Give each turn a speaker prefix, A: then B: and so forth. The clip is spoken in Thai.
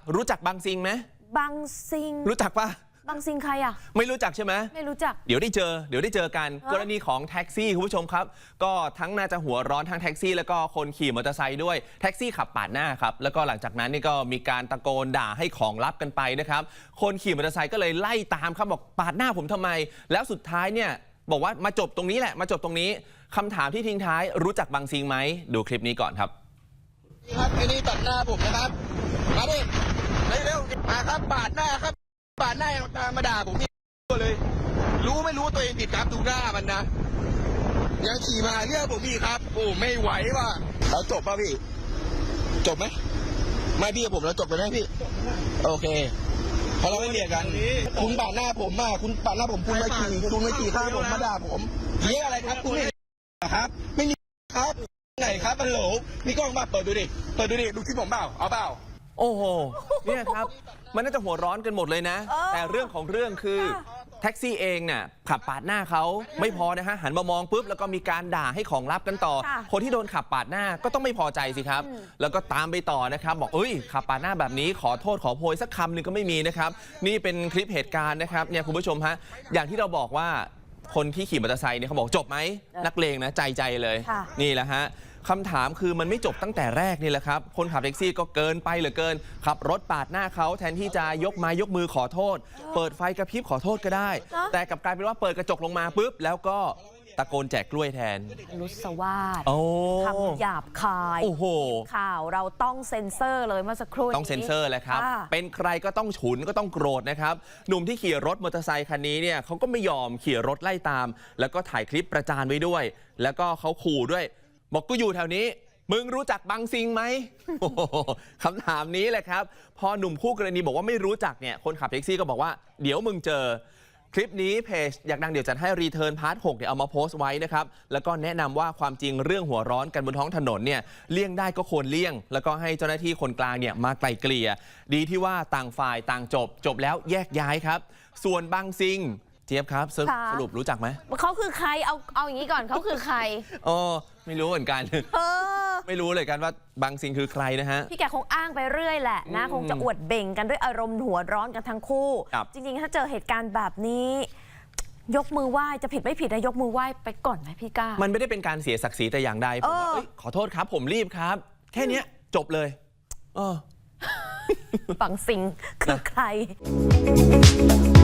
A: รู้จักบางซิงไหม
B: บางซิง
A: รู้จักปะ
B: บางซิงใครอ่ะ
A: ไม่รู้จักใช่ไหม
B: ไม่รู้จัก
A: เดี๋ยวได้เจอกันกรณีของแท็กซี่คุณผู้ชมครับก็ทั้งน่าจะหัวร้อนทั้งแท็กซี่แล้วก็คนขี่มอเตอร์ไซค์ด้วยแท็กซี่ขับปาดหน้าครับแล้วก็หลังจากนั้นนี่ก็มีการตะโกนด่าให้ของลับกันไปนะครับคนขี่มอเตอร์ไซค์ก็เลยไล่ตามครับบอกปาดหน้าผมทำไมแล้วสุดท้ายเนี่ยบอกว่ามาจบตรงนี้แหละมาจบตรงนี้คำถามที่ทิ้งท้ายรู้จักบางซิงไหมดูคลิปนี้ก่อนครับ
C: ครับไอ้นี่ตัดหน้าผมนะครับมาดิเร็วๆมาครับปาดหน้าครับปาดหน้าตามมาด่าผมนี่เลยรู้ไม่รู้ตัวเองผิดครับดูหน้ามันนะยังขี่มาเรื่องผมพี่ครับโอ้ไม่ไหวว่ะแล้วจบป่ะพี่จบไหมไม่พี่กับผมแล้วจบไปไหมพี่โอเคเพราะเราไม่เบียดกันคุณปาดหน้าผมมาคุณปาดหน้าผมคุณไม่ขี่ข้ามผมมาด่าผมเรียกอะไรครับคุณครับไม่มีครับไหนครับมันโหลมีกล้องมาเปิดดูดิดูคลิปผมเปล่าเอาเปล่า
A: โอ้โหเนี่ยครับมันน่าจะหัวร้อนกันหมดเลยนะแต่เรื่องของเรื่องคือแท็กซี่เองเนี่ยขับปาดหน้าเขาไม่พอนะฮะหันมามองปุ๊บแล้วก็มีการด่าให้ของลับกันต่อคนที่โดนขับปาดหน้าก็ต้องไม่พอใจสิครับแล้วก็ตามไปต่อนะครับบอกขับปาดหน้าแบบนี้ขอโทษขอโพยสักคำหนึ่งก็ไม่มีนะครับนี่เป็นคลิปเหตุการณ์นะครับเนี่ยคุณผู้ชมฮะอย่างที่เราบอกว่าคนที่ขี่มอเตอร์ไซค์เนี่ยเขาบอกจบไหมนักเลงนะใจเลยนี่แหละฮะคำถามคือมันไม่จบตั้งแต่แรกนี่แหละครับคนขับแท็กซี่ก็เกินไปเหลือเกินขับรถปาดหน้าเขาแทนที่จะยกมือขอโทษเปิดไฟกระพริบขอโทษก็ได้แต่กลับกลายเป็นว่าเปิดกระจกลงมาปุ๊บแล้วก็ตะโกนแจกกล้วยแทน
B: รุษวาทคำหยาบคายข่าวเราต้องเซ็นเซอร์เลยเมื่อสักครู่
A: ต้องเซ็นเซอร์แหละครับเป็นใครก็ต้องฉุนก็ต้องโกรธนะครับหนุ่มที่ขี่รถมอเตอร์ไซค์คันนี้เนี่ยเขาก็ไม่ยอมขี่รถไล่ตามแล้วก็ถ่ายคลิปประจานไว้ด้วยแล้วก็เขาขู่ด้วยบอกกูอยู่แถวนี้มึงรู้จักบางซิงไหมคำถามนี้แหละครับพอหนุ่มคู่กรณีบอกว่าไม่รู้จักเนี่ยคนขับแท็กซี่ก็บอกว่าเดี๋ยวมึงเจอคลิปนี้เพจอยากดังเดี๋ยวจัดให้รีเทิร์นพาร์ท 6เนี่ยเอามาโพสต์ไว้นะครับแล้วก็แนะนำว่าความจริงเรื่องหัวร้อนกันบนท้องถนนเนี่ยเลี่ยงได้ก็ควรเลี่ยงแล้วก็ให้เจ้าหน้าที่คนกลางเนี่ยมาไกล่เกลี่ยดีที่ว่าต่างฝ่ายต่างจบแล้วแยกย้ายครับส่วนบางซิงเจี๊ยบครับสรุปรู้จักไหม
B: เขาคือใครเอาอย่างนี้ก่อนเขาคือใคร
A: ไม่รู้เหมือนกันไม่รู้เลยกันว่าบางซิงคือใครนะฮะ
B: พี่แกคงอ้างไปเรื่อยแหละนะคงจะอวดเบ่งกันด้วยอารมณ์หัวร้อนกันทั้งคู่จริงๆถ้าเจอเหตุการณ์แบบนี้ยกมือไหว้จะผิดไม่ผิดนะยกมือไหว้ไปก่อนไหมพี่ก้า
A: มันไม่ได้เป็นการเสียศักดิ์ศรีแต่อย่างใดผมว่าขอโทษครับผมรีบครับแค่นี้จบเลย
B: บางซิงคือใคร